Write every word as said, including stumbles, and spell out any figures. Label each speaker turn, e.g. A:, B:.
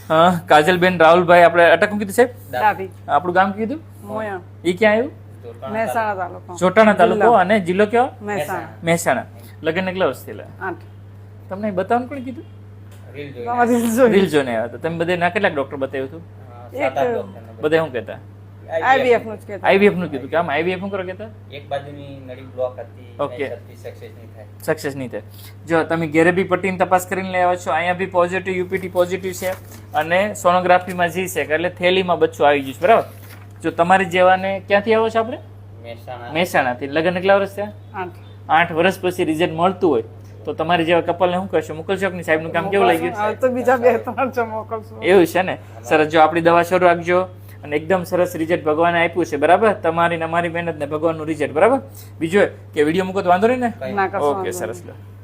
A: હા કાજલબેન રાહુલભાઈ આપણે અટક કીધું સાહેબ
B: ડાભી
A: આપણું ગામ કીધું
B: મોયા
A: એ ક્યાં આવ્યું
B: મહેસાણા તાલુકો
A: ચોટાણા તાલુકો અને જિલ્લો કયો
B: મહેસાણા
A: મહેસાણા લગ્ન કેટલા વર્ષ થયેલા
B: આઠ
A: તમને બતાવવાનું કોણ કીધું
B: તમારી જોઈ
A: રીલ જોઈને આવ્યા હતા તમે બધે ના કેટલાક ડોક્ટર બતાવ્યું હતું
B: એક
A: બધા શું કહેતા
B: આઈવીએફ નું જ કહેતા
A: આઈવીએફ નું કીધું કે આમ આઈવીએફ શું કરો કહેતા
C: એક બાજુની નળી બ્લોક હતી
A: ઓકે
C: સક્સેસ નહીં થાય
A: સક્સેસ નહીં થાય જો તમે ઘેરે બી પટ્ટીની તપાસ કરીને લઈ આવ્યા છો અહીંયા બી પોઝિટિવ યુપીટી પોઝિટિવ છે અને સોનોગ્રાફીમાં જી છે એટલે થેલીમાં બચ્ચું આવી ગયું છે બરાબર જો તમારી જેવાને ક્યાંથી આવો છો આપણે
C: મહેસાણા
A: મહેસાણાથી લગ્ન કેટલા વર્ષ થયા
B: આઠ
A: આઠ વર્ષ પછી રિઝલ્ટ મળતું હોય તો તમારી જેવા કપલને શું કરશો મોકલશો કે નહીં સાહેબનું કામ કેવું લાગ્યું
B: હવે તો બીજા બે ત્રણ છે મોકલશું
A: એવું છે ને સરસ જો આપણી દવા શરૂ રાખજો અને એકદમ સરસ રિઝલ્ટ ભગવાને આપ્યું છે બરાબર તમારી ને અમારી મહેનત ને ભગવાનનું રિઝલ્ટ બરાબર બીજું કે વિડીયો મૂકો તો વાંધો નહીં ને
B: ના કશો
A: ઓકે
B: વાંધો
A: સરસ
B: નહીં.
A: લો